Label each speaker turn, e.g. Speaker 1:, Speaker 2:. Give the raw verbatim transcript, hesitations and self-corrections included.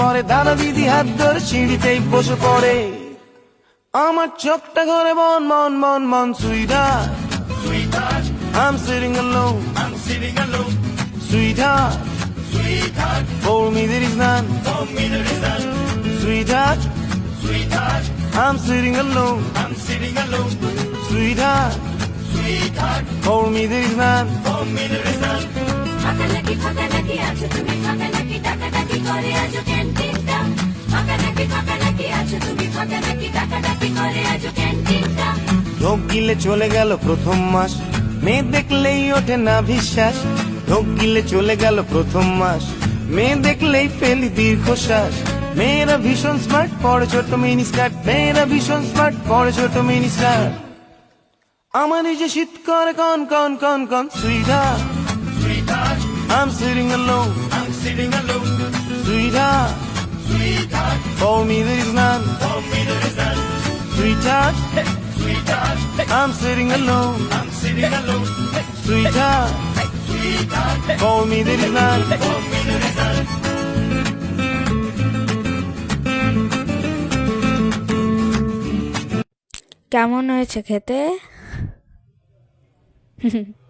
Speaker 1: পরে দাদা দিদি হাত ধরে সিঁড়িতেই বসে পড়ে আমার চোখটা ঘরে মন মন মন মন sweetheart
Speaker 2: Sweetheart,
Speaker 1: I'm sitting alone
Speaker 2: I'm sitting alone.
Speaker 1: sweetheart
Speaker 2: Sweetheart,
Speaker 1: for me there is none
Speaker 2: for me there is none.
Speaker 1: sweetheart
Speaker 2: Sweetheart,
Speaker 1: I'm sitting alone
Speaker 2: I'm sitting alone.
Speaker 1: sweetheart
Speaker 2: Sweetheart,
Speaker 1: for me there is none
Speaker 2: for me there is none.
Speaker 3: ফাঁকা নাকি ফাঁকা নাকি আছো তুমি ফাঁকা নাকি টাকা টাকি করে আজো ক্যান্টিনটা ফাঁকা নাকি ফাঁকা নাকি আছো তুমি ফাঁকা নাকি টাকা টাকি করে আজো ক্যান্টিনটা
Speaker 1: ঢোক গিলে চলে গেল প্রথম মাস মেয়ে দেখলেই ওঠে না বিশ্বাস ঢোক গিলে চলে গেল প্রথম মাস মেয়ে দেখলেই ফেলি দীর্ঘশ্বাস মেয়েরা ভীষণ স্মার্ট পরে ছোট মিনি স্কার্ট মেয়েরা ভীষণ স্মার্ট পরে ছোট মিনি স্কার্ট আমার নিজে শীত করে কন কন কন কন sweetheart
Speaker 2: Sweetheart,
Speaker 1: I'm sitting alone
Speaker 2: I'm sitting alone.
Speaker 1: sweetheart
Speaker 2: Sweetheart,
Speaker 1: for me there is none
Speaker 2: for me there is none.
Speaker 1: sweetheart
Speaker 2: Sweetheart,
Speaker 1: I'm sitting alone
Speaker 2: I'm sitting alone.
Speaker 1: sweetheart
Speaker 2: Sweetheart,
Speaker 1: for me there is none
Speaker 2: for me there is none.
Speaker 4: কেমন হয়েছে খেতে?